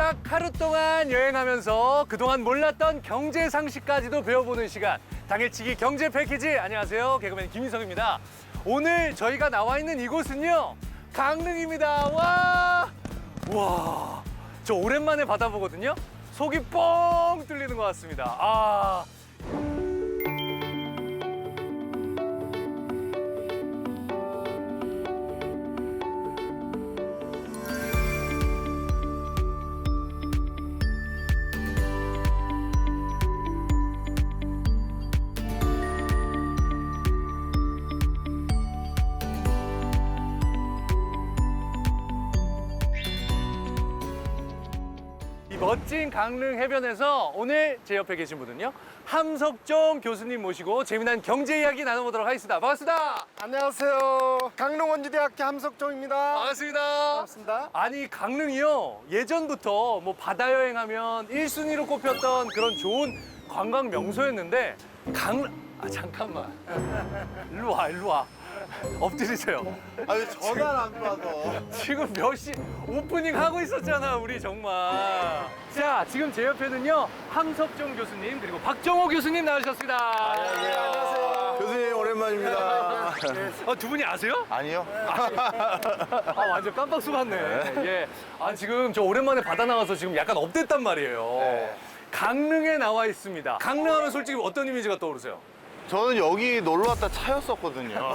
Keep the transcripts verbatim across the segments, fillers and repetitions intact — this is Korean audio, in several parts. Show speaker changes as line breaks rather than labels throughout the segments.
딱 하루 동안 여행하면서 그동안 몰랐던 경제 상식까지도 배워보는 시간. 당일치기 경제 패키지. 안녕하세요. 개그맨 김인석입니다. 오늘 저희가 나와 있는 이곳은요. 강릉입니다. 와! 와! 저 오랜만에 바다 보거든요. 속이 뻥 뚫리는 것 같습니다. 아. 이 멋진 강릉 해변에서 오늘 제 옆에 계신 분은요. 함석종 교수님 모시고 재미난 경제 이야기 나눠보도록 하겠습니다. 반갑습니다.
안녕하세요. 강릉원주대학교 함석종입니다.
반갑습니다.
반갑습니다.
아니 강릉이요. 예전부터 뭐 바다 여행하면 일 순위로 꼽혔던 그런 좋은 관광 명소였는데 강릉... 아 잠깐만. 일로 와 일로 와. 엎드리세요.
아니 전화를 안 받아.
지금 몇 시 오프닝 하고 있었잖아 우리 정말. 자 지금 제 옆에는요 함석종 교수님 그리고 박정호 교수님 나오셨습니다.
안녕하세요.
교수님 오랜만입니다.
아, 두 분이 아세요?
아니요.
아 완전 깜빡 속았네. 예. 아 지금 저 오랜만에 바다 나와서 지금 약간 업됐단 말이에요.
네.
강릉에 나와 있습니다. 강릉하면 솔직히 어떤 이미지가 떠오르세요?
저는 여기 놀러 왔다 차였었거든요.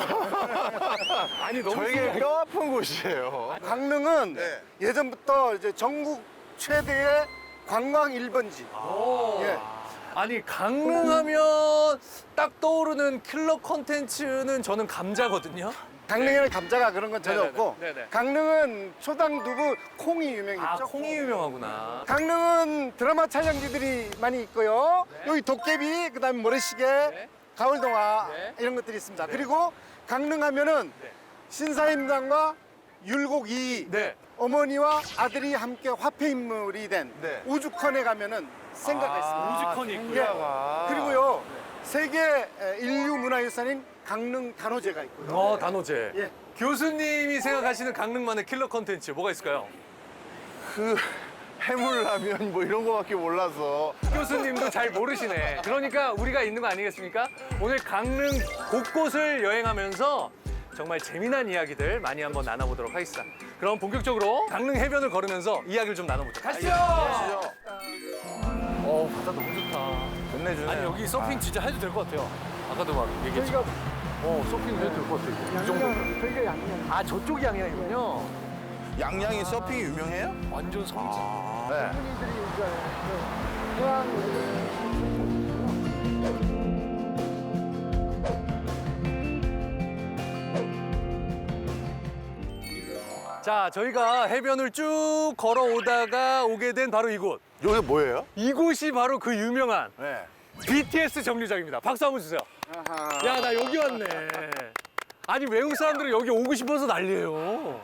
아니 너무
저에게
신기해.
뼈 아픈 곳이에요.
강릉은
네.
예전부터 이제 전국 최대의 관광 일 번지.
오.
예.
아니 강릉하면 딱 떠오르는 킬러 콘텐츠는 저는 감자거든요.
강릉에는 감자가 그런 건 전혀
네네네.
없고
네네.
강릉은 초당 두부 콩이 유명했죠.
아 콩이 유명하구나.
강릉은 드라마 촬영지들이 많이 있고요. 여기 도깨비, 그다음에 모래시계,
네.
가을동화
네.
이런 것들이 있습니다. 그리고 강릉 하면은
네.
신사임당과 율곡 이
네.
어머니와 아들이 함께 화폐 인물이 된
네.
우주컨에 가면은 생가가
아,
있습니다.
우주컨이 있고요.
예.
아.
그리고요 세계 인류 문화유산인 강릉 단오제가 있고요.
어 단오제.
예.
교수님이 생각하시는 강릉만의 킬러 콘텐츠 뭐가 있을까요?
그 해물라면 뭐 이런 거밖에 몰라서.
교수님도 잘 모르시네. 그러니까 우리가 있는 거 아니겠습니까? 오늘 강릉 곳곳을 여행하면서 정말 재미난 이야기들 많이 한번 나눠보도록 하겠습니다. 그럼 본격적으로 강릉 해변을 걸으면서 이야기를 좀 나눠보죠. 가시죠!
가시죠.
어, 바다 너무 좋다.
끝내주네요.
아니, 여기 서핑 진짜 해도 될 것 같아요. 아까도 막 얘기했지.
저희가
어, 서핑 해도 될 것 같아요. 이 정도.
저희가 양양.
아, 저쪽이 양양이군요.
양양이 서핑이 유명해요?
완전 성지.
네.
분들이 이제 그 해양
자, 저희가 해변을 쭉 걸어오다가 오게 된 바로 이곳.
여기 뭐예요?
이곳이 바로 그 유명한
네.
비티에스 정류장입니다. 박수 한번 주세요.
아하.
야, 나 여기 왔네. 아니, 외국 사람들은 여기 오고 싶어서 난리예요.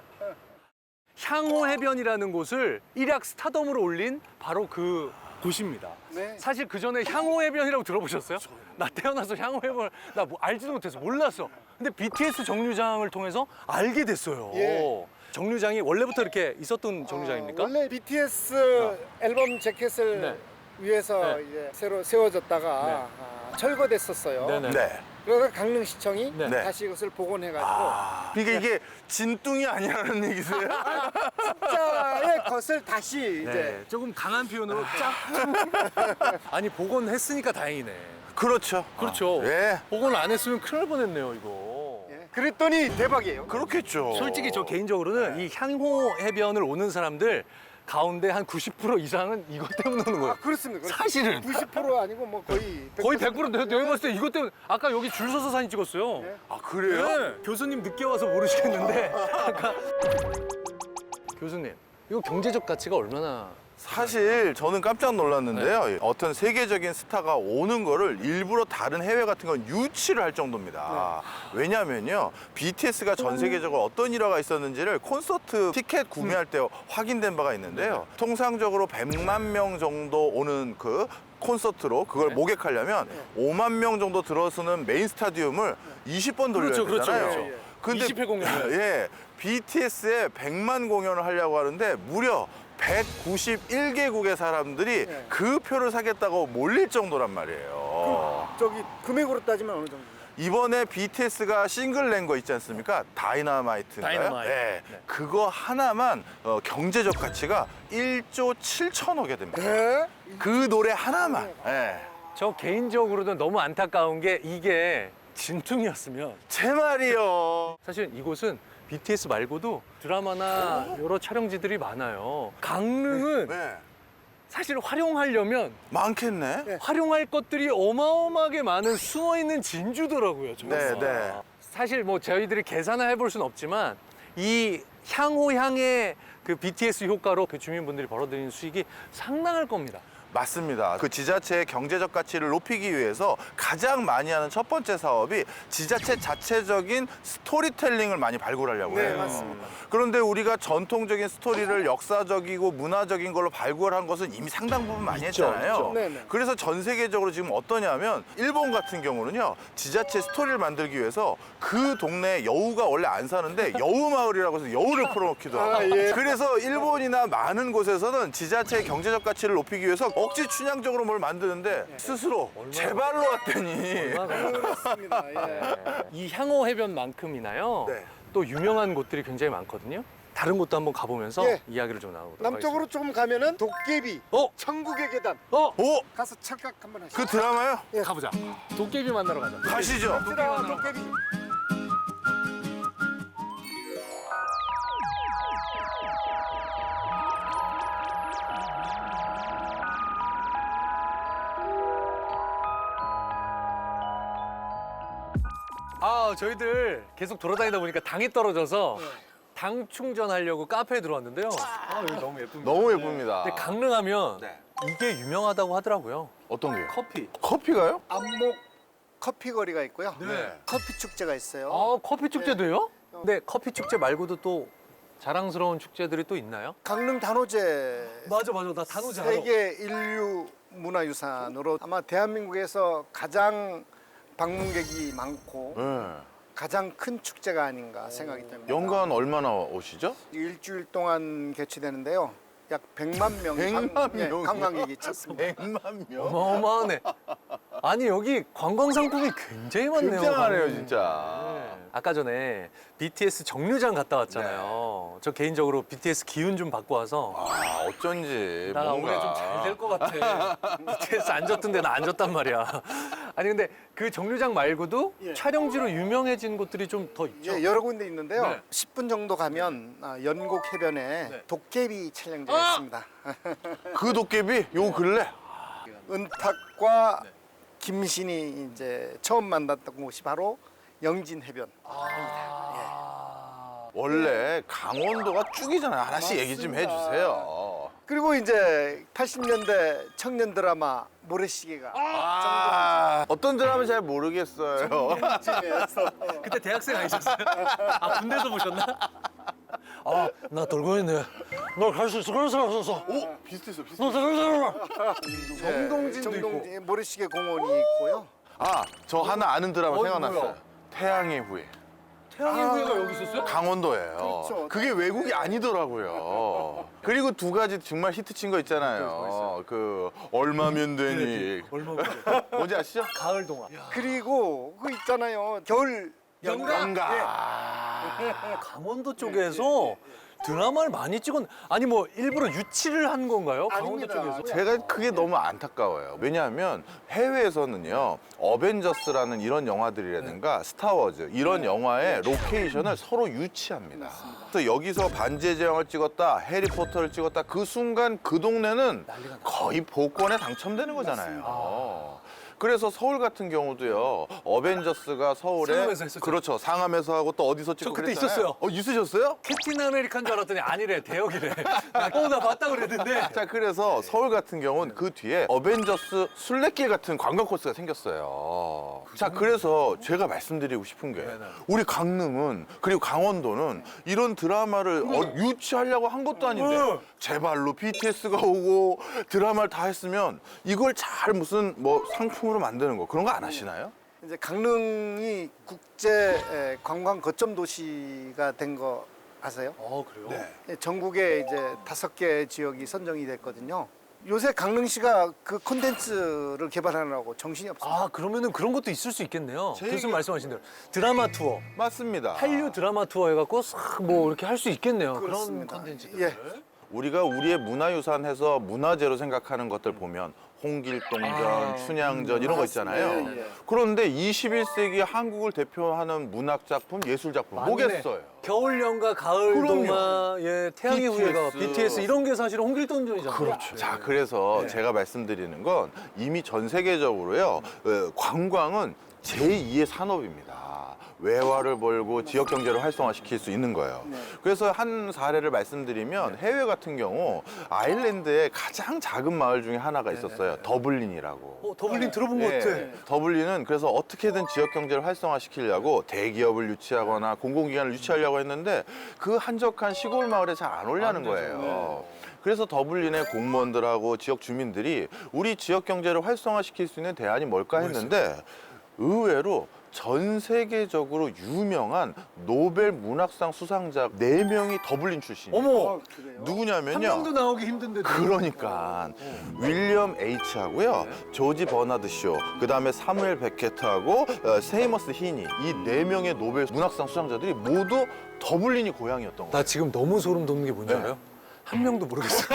향호 해변이라는 곳을 일약 스타덤으로 올린 바로 그 곳입니다.
네.
사실 그 전에 향호 해변이라고 들어보셨어요? 나 태어나서 향호 해변 나 뭐 알지도 못해서 몰랐어. 근데 비티에스 정류장을 통해서 알게 됐어요.
예.
정류장이 원래부터 이렇게 있었던 정류장입니까?
어, 원래 비티에스 앨범 자켓을
네.
위해서
네.
이제 새로 세워졌다가
네.
아, 철거됐었어요.
네네.
네.
그래서 강릉시청이
네.
네.
다시 이것을 복원해가지고
아, 그러니까 이게 진뚱이 아니라는 얘기세요?
진짜의 것을 다시
네,
이제
조금 강한 표현으로 짝. 아니 복원했으니까 다행이네.
그렇죠.
그렇죠.
예.
복원을 안 했으면 큰일 날 뻔했네요 이거.
예. 그랬더니 대박이에요.
그렇겠죠.
솔직히 저 개인적으로는 이 향호 해변을 오는 사람들 가운데 한 구십 퍼센트 이상은 이것 때문에 오는 거예요.
아 그렇습니다. 그렇습니다.
사실은.
구십 퍼센트 아니고 뭐 거의
거의 백 퍼센트 내가 내가 봤을 때 이것 때문에 아까 여기 줄 서서 사진 찍었어요.
네.
아, 그래요?
네. 교수님 늦게 와서 모르시겠는데 아까 교수님 이거 경제적 가치가 얼마나
사실 저는 깜짝 놀랐는데요. 어떤 세계적인 스타가 오는 거를 일부러 다른 해외 같은 건 유치를 할 정도입니다. 왜냐면요. 비티에스가 전 세계적으로 어떤 일화가 있었는지를 콘서트 티켓 구매할 때 확인된 바가 있는데요. 통상적으로 백만 명 정도 오는 그 콘서트로 그걸
네.
목격하려면 오만 명 정도 들어서는 메인 스타디움을 이십 번 돌려야
그렇죠, 그렇죠,
되잖아요.
그렇죠. 이십 회 공연을.
예, 비티에스의 백만 공연을 하려고 하는데 무려 백구십일 개국의 사람들이
네.
그 표를 사겠다고 몰릴 정도란 말이에요.
저기 금액으로 따지면 어느 정도?
이번에 비티에스가 싱글 낸 거 있지 않습니까? 다이너마이트인가요?
다이너마이트.
네.
네.
그거 하나만 어, 경제적 가치가 일조 칠천억이 됩니다.
네?
그 노래 하나만. 네.
저 개인적으로는 너무 안타까운 게 이게 진퉁이었으면
제 말이요.
사실 이곳은 비티에스 말고도 드라마나 여러 촬영지들이 많아요. 강릉은
네.
사실 활용하려면
많겠네.
네.
활용할 것들이 어마어마하게 많은 숨어있는 진주더라고요. 저희가.
네, 네.
사실 뭐 저희들이 계산을 해볼 수는 없지만 이 향후 향의 그 비티에스 효과로 그 주민분들이 벌어들이는 수익이 상당할 겁니다.
맞습니다. 그 지자체의 경제적 가치를 높이기 위해서 가장 많이 하는 첫 번째 사업이 지자체 자체적인 스토리텔링을 많이 발굴하려고
네,
해요.
맞습니다.
그런데 우리가 전통적인 스토리를 역사적이고 문화적인 걸로 발굴한 것은 이미 상당 부분 많이
있죠,
했잖아요.
있죠.
네, 네.
그래서 전 세계적으로 지금 어떠냐면 일본 같은 경우는요. 지자체 스토리를 만들기 위해서 그 동네에 여우가 원래 안 사는데 여우 마을이라고 해서 여우를 풀어놓기도 하고.
아, 예.
그래서 일본이나 많은 곳에서는 지자체의 경제적 가치를 높이기 위해서 억지 춘향적으로 뭘 만드는데 스스로 제 발로 왔더니
그렇습니다. 예.
이 향호 해변만큼이나요.
네.
또 유명한 곳들이 굉장히 많거든요. 다른 곳도 한번 가보면서
예.
이야기를 좀 나눠보도록
남쪽으로 조금 가면은 도깨비,
어?
천국의 계단.
어?
오!
가서 착각 한번 하시죠.
그 드라마요?
가보자. 도깨비 만나러 가자.
가시죠.
갑시다, 도깨비.
아, 저희들 계속 돌아다니다 보니까 당이 떨어져서 당 충전하려고 카페에 들어왔는데요. 아, 여기 너무 예쁩니다.
너무 예쁩니다.
근데 강릉하면
네.
이게 유명하다고 하더라고요.
어떤 게요?
커피.
커피가요?
안목 커피 거리가 있고요.
네.
커피 축제가 있어요.
아, 커피 축제도 해요? 근데 커피 축제 말고도 또 자랑스러운 축제들이 또 있나요?
강릉 단오제
맞아, 맞아. 나 단오지 알아.
세계 인류 문화유산으로 아마 대한민국에서 가장 방문객이 많고
네.
가장 큰 축제가 아닌가 생각이 됩니다.
연간 얼마나 오시죠?
일주일 동안 개최되는데요. 약 백만 명
백만
관- 예,
명이요?
관광객이 찾습니다.
백만 명.
어마어마하네. 아니, 여기 관광 상품이 굉장히 많네요.
굉장하네요,
강릉.
진짜.
네. 아까 전에 비티에스 정류장 갔다 왔잖아요. 저 개인적으로 비티에스 기운 좀 받고 와서
아, 어쩐지
나
뭔가.
올해 좀 잘 될 것 같아. 비티에스 안 졌던데 나 안 졌단 말이야. 아니 근데 그 정류장 말고도
예.
촬영지로 유명해진 곳들이 좀 더 있죠.
예, 여러 군데 있는데요.
네.
십 분 정도 가면 아, 연곡 해변에
네.
도깨비 촬영지가
아!
있습니다.
그 도깨비 요 근래
은탁과
네.
김신이 이제 처음 만났던 곳이 바로 영진 해변.
아...
원래 강원도가 쭉이잖아요. 하나씩 얘기 좀
맞습니다.
해주세요.
그리고 이제 팔십 년대 청년 드라마 모래시계가
아, 어떤 드라마 잘 모르겠어요.
정동진에서
그때 대학생 아니셨어요? 아 군대에서 보셨나? 아 나 돌고 있네. 너 갈 수 있어. 그럴 사람 없었어.
오, 비슷했어, 비슷했어.
너 그럴 사람.
정동진도 정동진 모래시계 공원이 있고요.
아, 저 하나 아는 드라마
어이,
생각났어요.
뭐야?
태양의 후예.
태양의
아.
후예가 여기 있었어요?
강원도예요.
그렇죠.
그게 외국이 아니더라고요. 그리고 두 가지 정말 히트친 거 있잖아요. 그 얼마면 되니.
얼마
뭔지 아시죠?
가을 동화.
그리고 그 있잖아요. 겨울
연가?
연가.
강원도 쪽에서 드라마를 많이 찍었. 아니 뭐 일부러 유치를 한 건가요? 강원도
아닙니다.
쪽에서?
제가 그게 너무 안타까워요. 왜냐하면 해외에서는요, 어벤져스라는 이런 영화들이라든가 스타워즈 이런 영화의 로케이션을 서로 유치합니다. 그래서 여기서 반지의 제왕을 찍었다, 해리포터를 찍었다, 그 순간 그 동네는 거의 복권에 당첨되는 거잖아요. 그래서 서울 같은 경우도요, 어벤져스가 서울에
상암에서 했었죠.
그렇죠, 상암에서 하고 또 어디서 찍고
저 그때
그랬잖아요.
있었어요.
어, 있으셨어요?
캡틴 아메리칸 줄 알았더니 아니래 대역이래. 어나 봤다 그랬는데.
자, 그래서 서울 같은 경우는 그 뒤에 어벤져스 순례길 같은 관광 코스가 생겼어요. 자, 그래서 제가 말씀드리고 싶은 게 우리 강릉은 그리고 강원도는 이런 드라마를 어, 유치하려고 한 것도 아닌데 제 발로 비티에스가 오고 드라마를 다 했으면 이걸 잘 무슨 뭐 상품으로 만드는 거 그런 거 안 하시나요?
이제 강릉이 국제 에, 관광 거점 도시가 된 거 아세요?
어, 그래요?
네.
예, 전국에 이제 다섯 개 지역이 선정이 됐거든요. 요새 강릉시가 그 콘텐츠를 개발하느라고 정신이 없어요.
아, 그러면은 그런 것도 있을 수 있겠네요.
제
교수님
얘기-
말씀하신 대로 드라마 투어,
맞습니다.
한류 드라마 투어 해갖고 싹 뭐 이렇게 할 수 있겠네요. 그런
그렇습니다.
컨텐츠들.
예.
우리가 우리의 문화유산 해서 문화재로 생각하는 것들 보면 홍길동전,
아,
춘향전 이런 거 있잖아요.
예, 예.
그런데 이십일 세기 한국을 대표하는 문학작품, 예술작품
맞네.
뭐겠어요?
겨울연가, 가을
그럼요.
동화, 예, 태양의 후예가,
비티에스.
비티에스 이런 게 사실은 홍길동전이잖아요.
그렇죠. 자, 그래서
네.
제가 말씀드리는 건 이미 전 세계적으로요, 어, 관광은 제이의 산업입니다. 외화를 벌고 지역 경제를 활성화시킬 수 있는 거예요. 그래서 한 사례를 말씀드리면 해외 같은 경우 아일랜드에 가장 작은 마을 중에 하나가 있었어요. 더블린이라고.
어, 더블린 들어본 것
예,
같아.
더블린은 그래서 어떻게든 지역 경제를 활성화시키려고 대기업을 유치하거나 공공기관을 유치하려고 했는데 그 한적한 시골 마을에 잘 안 오려는 거예요. 그래서 더블린의 공무원들하고 지역 주민들이 우리 지역 경제를 활성화시킬 수 있는 대안이 뭘까 했는데 의외로 전 세계적으로 유명한 노벨 문학상 수상자 네 명이 더블린 출신이에요.
어머,
그래요?
누구냐면요.
한 명도 나오기 힘든데.
그러니까 윌리엄 H하고요, 조지 버나드 쇼, 그 다음에 사무엘 베케트하고 어, 세이머스 히니 이 네 명의 노벨 문학상 수상자들이 모두 더블린이 고향이었던 거예요.
나 지금 너무 소름 돋는 게 뭔지
네.
알아요? 한 명도 모르겠어요.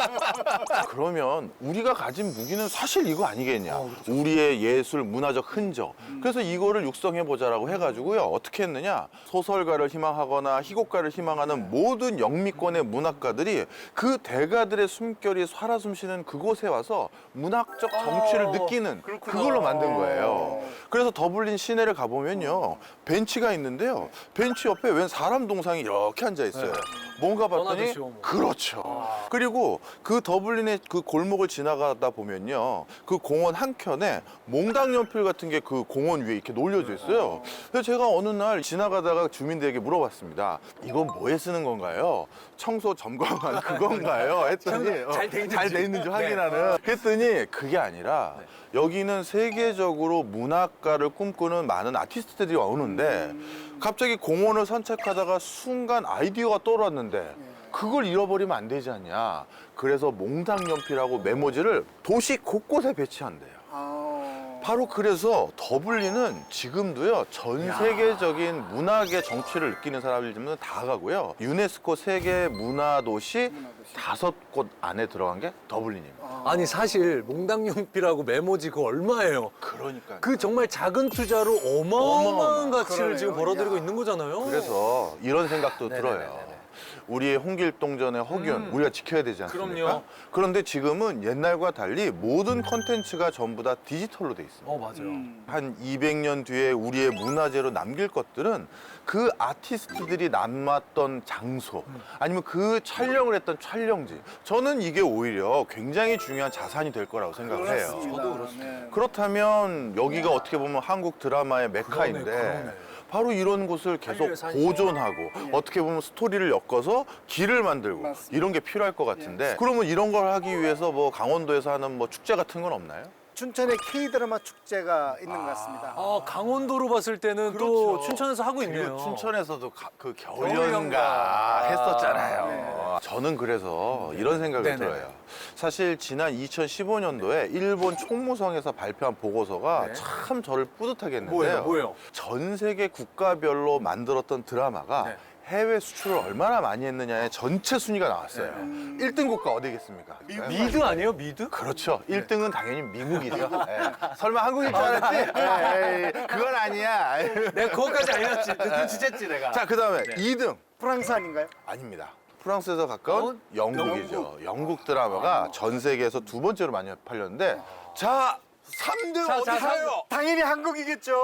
그러면 우리가 가진 무기는 사실 이거 아니겠냐?
어, 그렇죠.
우리의 예술, 문화적 흔적. 그래서 이거를 육성해 보자라고 해가지고요. 어떻게 했느냐? 소설가를 희망하거나 희곡가를 희망하는 모든 영미권의 문학가들이 그 대가들의 숨결이 살아 숨쉬는 그곳에 와서 문학적 정취를
어,
느끼는
그렇구나.
그걸로 만든 거예요. 그래서 더블린 시내를 가보면요, 벤치가 있는데요. 벤치 옆에 웬 사람 동상이 이렇게 앉아 있어요. 뭔가 봤더니
버나드 쇼 뭐.
그렇죠. 그리고 그 더블린의 그 골목을 지나가다 보면요, 그 공원 한켠에 몽당 연필 같은 게 그 공원 위에 이렇게 놀려져 있어요. 그래서 제가 어느 날 지나가다가 주민들에게 물어봤습니다. 이건 뭐에 쓰는 건가요? 청소 점검한 그건가요? 했더니
청소 잘돼 있는지.
잘 돼 있는지
네.
확인하는. 그랬더니 그게 아니라 여기는 세계적으로 문학가를 꿈꾸는 많은 아티스트들이 오는데 갑자기 공원을 산책하다가 순간 아이디어가 떠올랐는데 그걸 잃어버리면 안 되지 않냐. 그래서 몽당연필하고 메모지를 도시 곳곳에 배치한대요.
아,
바로 그래서 더블린은 지금도요, 전 세계적인 문학의 정취를 느끼는 사람들이면 다 가고요. 유네스코 세계 문화도시 다섯 곳 안에 들어간 게 더블린입니다.
아니 사실 몽당연필하고 메모지 그거 얼마예요?
그러니까.
그 정말 작은 투자로 어마어마한
어마어마한,
가치를
그러네요.
지금 벌어들이고
야.
있는 거잖아요.
그래서 이런 생각도 들어요.
네네네네.
우리의 홍길동전의 허균
음.
우리가 지켜야 되지 않습니까?
그럼요.
그런데 지금은 옛날과 달리 모든 콘텐츠가 전부 다 디지털로 돼 있습니다.
어 맞아요.
한 이백 년 뒤에 우리의 문화재로 남길 것들은 그 아티스트들이 남았던 장소 아니면 그 촬영을 했던 촬영지, 저는 이게 오히려 굉장히 중요한 자산이 될 거라고 생각을 해요.
그렇습니다.
저도 그렇습니다.
네.
그렇다면 여기가 어떻게 보면 한국 드라마의 메카인데
그러네, 그러네.
바로 이런 곳을 계속
한류의 산실.
보존하고 어떻게 보면 스토리를 엮어서 길을 만들고
맞습니다.
이런 게 필요할 것 같은데 그러면 이런 걸 하기 위해서 뭐 강원도에서 하는 뭐 축제 같은 건 없나요?
춘천에 K-드라마 축제가 있는 것 같습니다.
아 강원도로 봤을 때는 또 춘천에서 하고 있네요.
그리고 춘천에서도 가- 그
겨울연가.
겨울연가 했었잖아요. 저는 그래서 이런 생각이
네네네.
들어요. 사실 지난 이천십오 년도에 일본 총무성에서 발표한 보고서가
네.
참 저를 뿌듯하게 했는데요.
뭐예요? 뭐예요?
전 세계 국가별로 만들었던 드라마가
네.
해외 수출을 얼마나 많이 했느냐의 전체 순위가 나왔어요. 일 등 국가 어디겠습니까? 네.
미드 아니에요? 미드?
그렇죠. 일 등은 당연히 미국이죠. 예. 설마 한국일 줄 알았지? 에이, 그건 아니야.
내가 그거까지 알렸지. 눈치챘지 내가.
자, 그 다음에 이 등.
프랑스 아닌가요?
아닙니다. 프랑스에서 가까운
어?
영국이죠. 영국 드라마가 전 세계에서 두 번째로 많이 팔렸는데, 자, 삼 등
자,
어디
자, 삼 등.
가요?
당연히 한국이겠죠.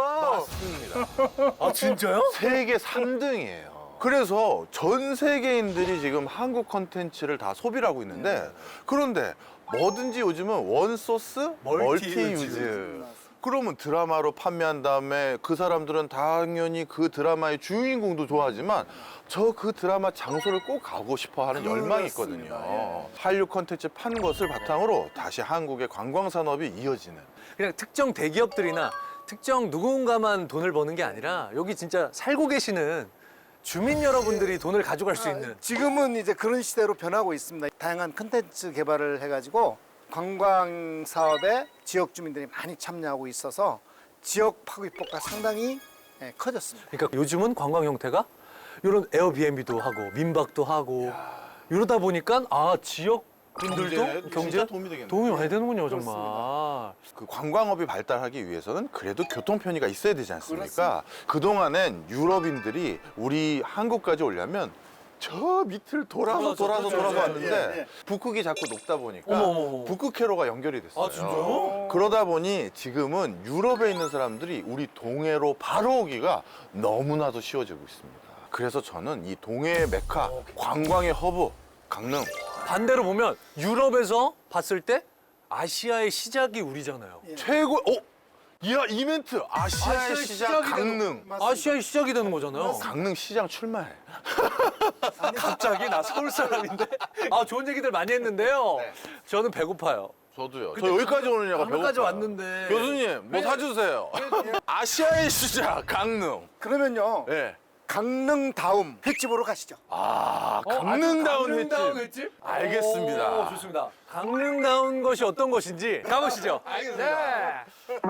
맞습니다.
아 진짜요?
세계 삼 등이에요. 그래서 전 세계인들이 지금 한국 컨텐츠를 다 소비를 하고 있는데, 그런데 뭐든지 요즘은 원소스,
멀티
멀티
유즈.
유즈. 그러면 드라마로 판매한 다음에 그 사람들은 당연히 그 드라마의 주인공도 좋아하지만 저 그 드라마 장소를 꼭 가고 싶어 하는 열망이 있거든요.
예.
한류 컨텐츠 판 것을 바탕으로 다시 한국의 관광 산업이 이어지는.
그냥 특정 대기업들이나 특정 누군가만 돈을 버는 게 아니라 여기 진짜 살고 계시는 주민 여러분들이 돈을 가져갈 수
아,
있는.
지금은 이제 그런 시대로 변하고 있습니다. 다양한 컨텐츠 개발을 해가지고 관광 사업에 지역 주민들이 많이 참여하고 있어서 지역 파급 효과가 상당히 예, 커졌습니다.
그러니까 요즘은 관광 형태가 이런 에어비앤비도 하고 민박도 하고 이러다 보니까 아 지역 분들도
경제에
경제
진짜 도움이 되겠네요.
도움이 많이 되는군요
그렇습니다.
정말.
그 관광업이 발달하기 위해서는 그래도 교통 편의가 있어야 되지 않습니까?
그렇습니다.
그동안엔 유럽인들이 우리 한국까지 오려면 저 밑을 돌아서
돌아서,
돌아서
그렇죠,
돌아서
그렇죠.
왔는데
예, 예.
북극이 자꾸 높다 보니까
어머, 어머, 어머.
북극회로가 연결이 됐어요.
아, 진짜요?
그러다 보니 지금은 유럽에 있는 사람들이 우리 동해로 바로 오기가 너무나도 쉬워지고 있습니다. 그래서 저는 이 동해의 메카, 관광의 허브, 강릉.
반대로 보면 유럽에서 봤을 때 아시아의 시작이 우리잖아요.
최고, 어? 이야, 이 멘트! 아시아의,
아시아의
시작,
시작이
강릉.
맞습니다.
아시아의 시작이 되는 거잖아요.
강릉 시장 출마해.
갑자기 나 서울 사람인데. 아 좋은 얘기들 많이 했는데요.
네.
저는 배고파요.
저도요.
근데
저 여기까지 오느냐가
강릉까지
배고파요.
왔는데.
교수님, 뭐 사주세요. 아시아의 시작, 강릉.
그러면요
예.
강릉 다음 횟집으로 가시죠.
아,
어,
강릉다운
아주 강릉다운
횟집.
횟집?
알겠습니다.
오, 좋습니다. 강릉다운 것이 어떤 것인지 가보시죠.
알겠습니다.
네.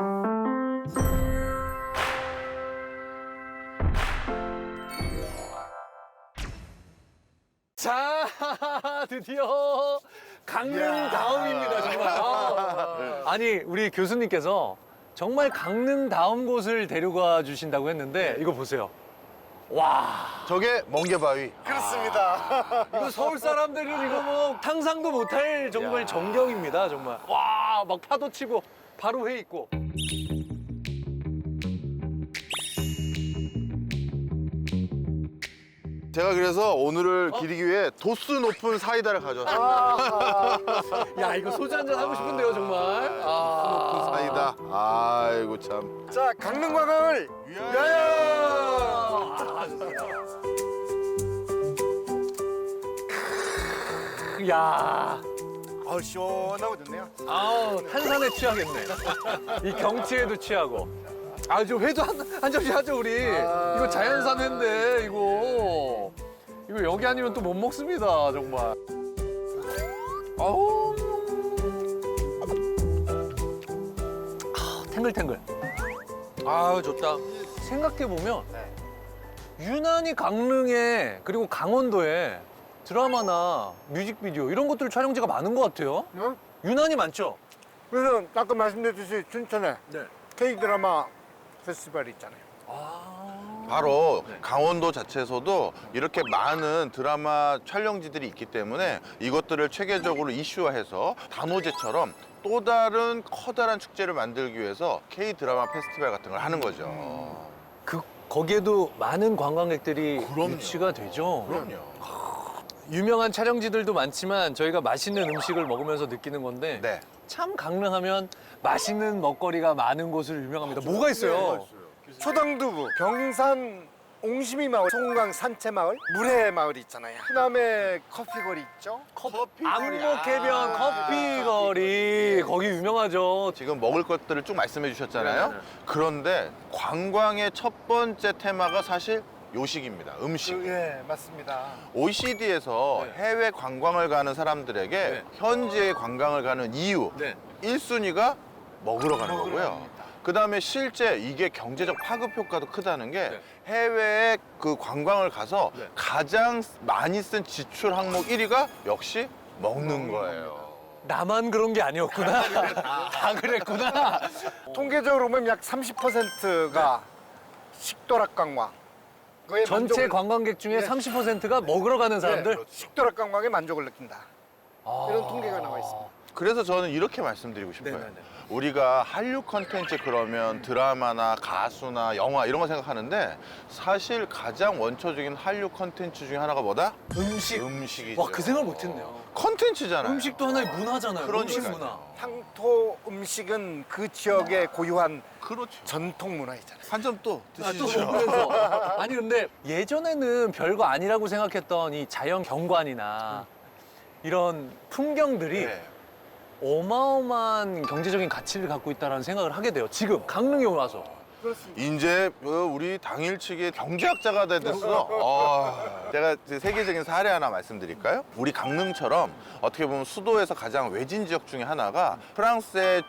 자, 드디어 강릉다움입니다, 정말. 아, 아니, 우리 교수님께서 정말 강릉다운 곳을 데려가 주신다고 했는데 이거 보세요. 와,
저게 멍게바위.
그렇습니다.
이거 서울 사람들은 이거 뭐 상상도 못할 정말 전경입니다, 정말. 와, 막 파도 치고 바로 회 있고.
제가 그래서 오늘을 기리기 위해 도수 높은 사이다를 가져왔습니다.
야, 이거 소주 한잔 하고 싶은데요, 정말. 아,
사이다. 아이고 참.
자 강릉 관광을
야,
아 시원하고 좋네요.
아우 탄산에 취하겠네. 이 경치에도 취하고. 아, 저 회도 한, 한 접시 하죠, 우리. 이거 자연산 회인데, 이거. 이거 여기 아니면 또 못 먹습니다, 정말. 아우. 아, 탱글탱글. 아, 좋다. 생각해보면, 유난히 강릉에, 그리고 강원도에 드라마나 뮤직비디오 이런 것들 촬영지가 많은 것 같아요.
응?
유난히 많죠?
그래서 아까 말씀드렸듯이 춘천에
네.
K 드라마 페스티벌이 있잖아요.
아.
바로
네.
강원도 자체에서도 이렇게 많은 드라마 촬영지들이 있기 때문에 이것들을 체계적으로 이슈화해서 단오제처럼 또 다른 커다란 축제를 만들기 위해서 K 드라마 페스티벌 같은 걸 하는 거죠.
그 거기에도 많은 관광객들이
그럼요.
유치가 되죠.
그럼요.
유명한 촬영지들도 많지만 저희가 맛있는 음식을 먹으면서 느끼는 건데
네.
참 강릉하면 맛있는 먹거리가 많은 곳으로 유명합니다. 뭐가 있어요?
초당두부, 경산 옹심이 마을, 송강 산채 마을, 물회 마을이 있잖아요. 그다음에 커피거리 있죠.
커피
안목해변 커피거리 거기 유명하죠.
지금 먹을 것들을 쭉 말씀해 주셨잖아요.
네, 네.
그런데 관광의 첫 번째 테마가 사실 요식입니다. 음식.
예, 맞습니다.
오이시디에서
네.
해외 관광을 가는 사람들에게
네.
현지에 관광을 가는 이유
네.
일 순위가 먹으러 가는
먹으러
거고요.
갑니다.
그 다음에 실제 이게 경제적 파급 효과도 크다는 게
네.
해외에 그 관광을 가서
네.
가장 많이 쓴 지출 항목 일 위가 역시 먹는 거예요.
나만 그런 게 아니었구나. 다 그랬구나.
통계적으로 보면 약 삼십 퍼센트가 식도락 관광. 그거에
전체
만족을-
관광객 중에
네.
삼십 퍼센트가 먹으러 가는 사람들.
네, 식도락 관광에 만족을 느낀다.
아.
이런 통계가 나와 있습니다.
그래서 저는 이렇게 말씀드리고 싶어요.
네네네.
우리가 한류 컨텐츠 그러면 드라마나 가수나 영화 이런 거 생각하는데 사실 가장 원초적인 한류 컨텐츠 중에 하나가 뭐다?
음식.
음식이죠.
와, 그 생각을 못했네요.
컨텐츠잖아요.
음식도 하나의 문화잖아요. 음식
그러니까요.
문화.
향토 음식은 그 지역의 고유한
그렇죠.
전통 문화이잖아요.
한 점 또
아, 또
드시죠.
먹으면서. 아니 근데 예전에는 별거 아니라고 생각했던 이 자연 경관이나 이런 풍경들이
네.
어마어마한 경제적인 가치를 갖고 있다는 생각을 하게 돼요. 지금 강릉에 와서.
그렇습니다.
이제 그 우리 당일치기 경제학자가 됐어. 아, 제가 이제 세계적인 사례 하나 말씀드릴까요? 우리 강릉처럼 어떻게 보면 수도에서 가장 외진 지역 중에 하나가 프랑스의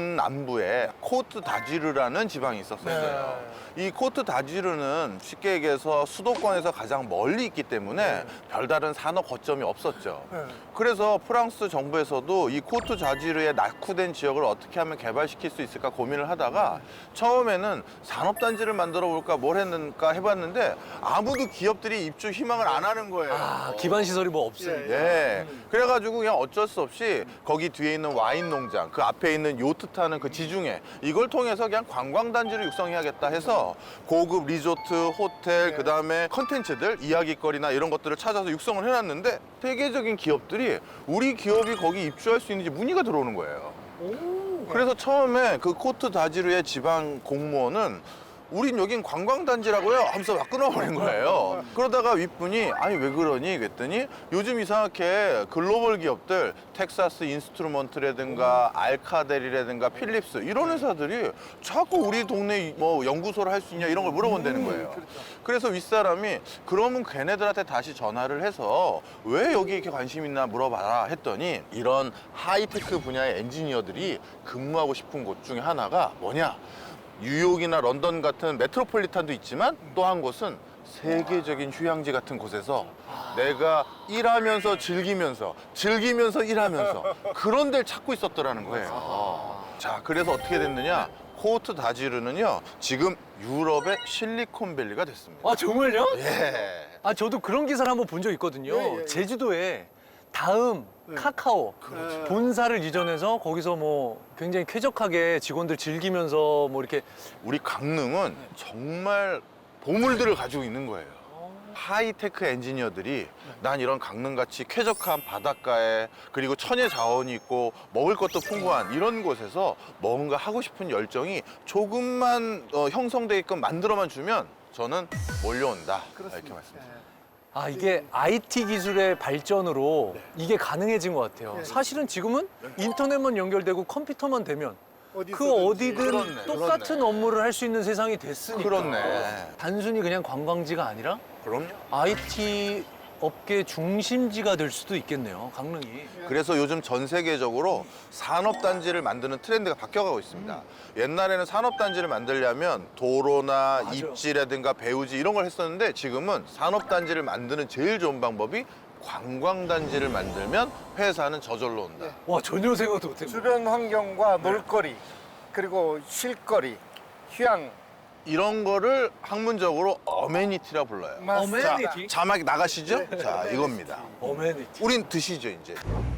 동남부에 코트 다지르라는 지방이 있었어요. 이 코트 다지르는 쉽게 얘기해서 수도권에서 가장 멀리 있기 때문에 별다른 산업 거점이 없었죠. 그래서 프랑스 정부에서도 이 코트 다지르의 낙후된 지역을 어떻게 하면 개발시킬 수 있을까 고민을 하다가 처음에는 산업단지를 만들어 볼까 뭘 했는가 해봤는데 아무도 기업들이 입주 희망을 안 하는 거예요.
아, 기반 시설이 뭐 없으니까.
네. 그래가지고 그냥 어쩔 수 없이 거기 뒤에 있는 와인 농장, 그 앞에 있는 요트 타는 그 지중해, 이걸 통해서 그냥 관광단지를 육성해야겠다 해서 고급 리조트, 호텔, 그 다음에 컨텐츠들, 이야기거리나 이런 것들을 찾아서 육성을 해놨는데 세계적인 기업들이 우리 기업이 거기 입주할 수 있는지 문의가 들어오는 거예요. 그래서 처음에 그 코트 다지르의 지방 공무원은 우린 여긴 관광단지라고요 하면서 막 끊어버린 거예요. 그러다가 윗분이 아니 왜 그러니 그랬더니 요즘 이상하게 글로벌 기업들 텍사스 인스트루먼트라든가 알카델이라든가 필립스 이런 회사들이 자꾸 우리 동네 뭐 연구소를 할 수 있냐 이런 걸 물어본다는 거예요. 그래서 윗사람이 그러면 걔네들한테 다시 전화를 해서 왜 여기 이렇게 관심 있나 물어봐라 했더니 이런 하이테크 분야의 엔지니어들이 근무하고 싶은 곳 중에 하나가 뭐냐? 뉴욕이나 런던 같은 메트로폴리탄도 있지만 또 한 곳은 세계적인 휴양지 같은 곳에서 내가 일하면서 즐기면서 즐기면서 일하면서 그런 데를 찾고 있었더라는 거예요. 자, 그래서 어떻게 됐느냐? 코트 다지르는요 지금 유럽의 실리콘밸리가 됐습니다.
아, 정말요?
예.
아, 저도 그런 기사를 한번 본 적 있거든요.
예, 예, 예.
제주도에 다음 카카오
그렇죠.
본사를 이전해서 거기서 뭐 굉장히 쾌적하게 직원들 즐기면서 뭐 이렇게
우리 강릉은 정말 보물들을 가지고 있는 거예요. 하이테크 엔지니어들이 난 이런 강릉같이 쾌적한 바닷가에 그리고 천혜 자원이 있고 먹을 것도 풍부한 이런 곳에서 뭔가 하고 싶은 열정이 조금만 어, 형성되게끔 만들어만 주면 저는 몰려온다. 이렇게 말씀드립니다.
아, 이게 아이티 기술의 발전으로 이게 가능해진 것 같아요.
네.
사실은 지금은 인터넷만 연결되고 컴퓨터만 되면
어디서든지.
그 어디든
그렇네,
똑같은
그렇네.
업무를 할 수 있는 세상이 됐으니까.
그렇네.
단순히 그냥 관광지가 아니라
그럼요.
아이티 업계 중심지가 될 수도 있겠네요, 강릉이.
그래서 요즘 전 세계적으로 산업단지를 만드는 트렌드가 바뀌어가고 있습니다. 옛날에는 산업단지를 만들려면 도로나
맞아요.
입지라든가 배우지 이런 걸 했었는데 지금은 산업단지를 만드는 제일 좋은 방법이 관광단지를 만들면 회사는 저절로 온다.
와, 전혀 생각도 못했네.
주변 환경과 놀거리 그리고 쉴거리, 휴양
이런 거를 학문적으로 어메니티라 불러요.
맞습니다.
어메니티?
자, 자막 나가시죠? 자, 이겁니다.
어메니티.
우린 드시죠, 이제.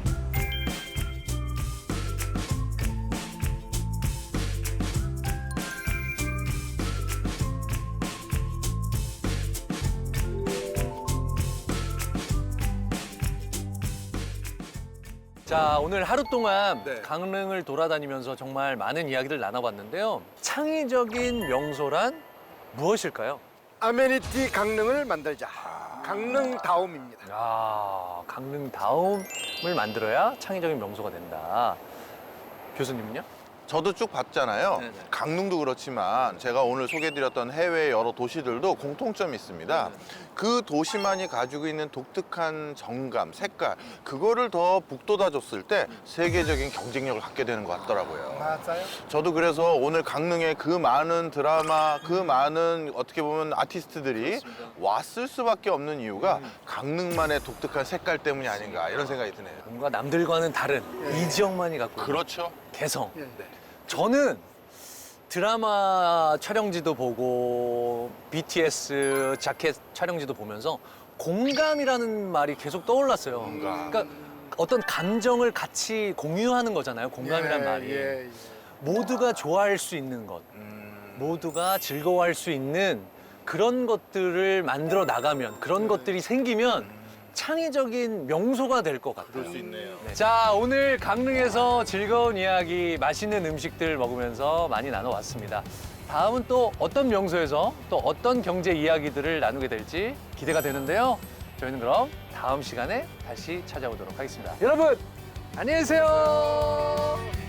자, 오늘 하루 동안
네.
강릉을 돌아다니면서 정말 많은 이야기를 나눠봤는데요. 창의적인 명소란 무엇일까요?
아메니티 강릉을 만들자. 강릉다움입니다.
아, 강릉다움을 만들어야 창의적인 명소가 된다. 교수님은요?
저도 쭉 봤잖아요.
네네.
강릉도 그렇지만 제가 오늘 소개해드렸던 해외 여러 도시들도 공통점이 있습니다. 그 도시만이 가지고 있는 독특한 정감, 색깔 그거를 더 북돋아줬을 때 세계적인 경쟁력을 갖게 되는 것 같더라고요.
맞아요.
저도 그래서 오늘 강릉에 그 많은 드라마, 그 많은 어떻게 보면 아티스트들이 왔을 수밖에 없는 이유가 강릉만의 독특한 색깔 때문이 아닌가 이런 생각이 드네요.
뭔가 남들과는 다른 이 지역만이 갖고 있는
그렇죠.
개성.
예.
저는 드라마 촬영지도 보고 비티에스 자켓 촬영지도 보면서 공감이라는 말이 계속 떠올랐어요.
공감.
그러니까 어떤 감정을 같이 공유하는 거잖아요. 공감이란
예,
말이.
예, 예.
모두가 좋아할 수 있는 것,
음,
모두가 즐거워할 수 있는 그런 것들을 만들어 나가면, 그런 것들이 생기면 창의적인 명소가 될 것 같아요.
그럴 수 있네요.
네. 자, 오늘 강릉에서 즐거운 이야기, 맛있는 음식들 먹으면서 많이 나눠왔습니다. 다음은 또 어떤 명소에서 또 어떤 경제 이야기들을 나누게 될지 기대가 되는데요. 저희는 그럼 다음 시간에 다시 찾아오도록 하겠습니다. 여러분, 안녕히 계세요.